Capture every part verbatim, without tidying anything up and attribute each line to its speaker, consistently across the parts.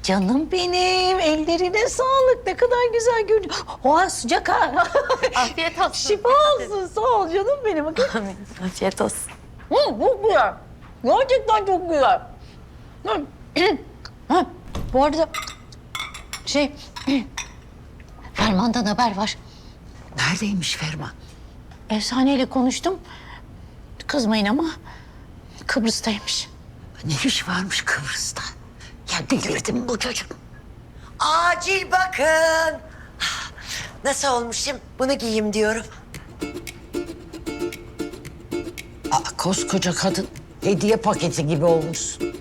Speaker 1: Canım benim, ellerine sağlık. Ne kadar güzel görünüyor. Oha sıcak ha.
Speaker 2: Afiyet olsun.
Speaker 1: Şifa olsun, sağ ol canım benim. Bakın.
Speaker 2: Afiyet olsun.
Speaker 1: Hı, çok güzel. Gerçekten çok güzel. Hı. Ha, bu arada şey, Ferman'dan haber var.
Speaker 3: Neredeymiş Ferman?
Speaker 1: Efsaneyle konuştum. Kızmayın ama Kıbrıs'taymış.
Speaker 3: Ne iş varmış Kıbrıs'ta? Ya delirdim bu çocuk.
Speaker 4: Acil bakın. Nasıl olmuşum? Bunu giyeyim diyorum.
Speaker 3: Aa, koskoca kadın hediye paketi gibi olmuşsun.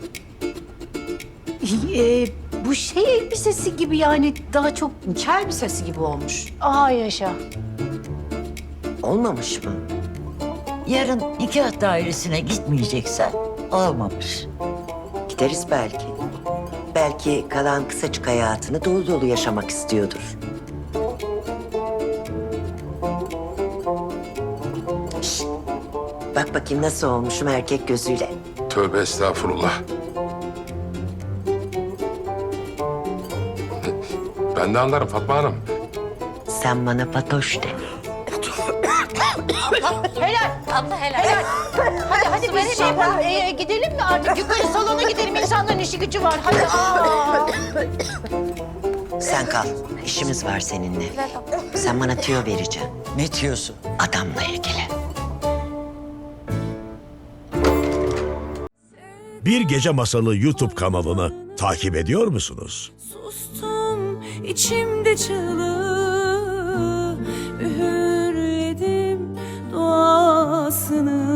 Speaker 5: Ee, bu şey elbisesi gibi yani daha çok nikah elbisesi gibi olmuş.
Speaker 1: Aa yaşa.
Speaker 4: Olmamış mı?
Speaker 3: Yarın nikah dairesine gitmeyeceksen olmamış.
Speaker 4: Gideriz belki. Belki kalan kısacık hayatını dolu dolu yaşamak istiyordur. Şişt! Bak bakayım nasıl olmuşum erkek gözüyle.
Speaker 6: Tövbe estağfurullah. Ben de anlarım Fatma Hanım.
Speaker 4: Sen bana Fatoş de.
Speaker 1: Helal.
Speaker 2: Abla helal.
Speaker 1: Helal. Hadi hadi biz şey yapalım. Ee, gidelim mi artık? Yukarı salona gidelim. İnsanların işi gücü var. Hadi. Aa.
Speaker 4: Sen kal. İşimiz var seninle. Sen bana tüyo vereceksin.
Speaker 3: Ne diyorsun?
Speaker 4: Adamla ilgili.
Speaker 7: Bir Gece Masalı YouTube kanalını takip ediyor musunuz?
Speaker 8: Sustum içimde çığlığı, üğürledim duasını.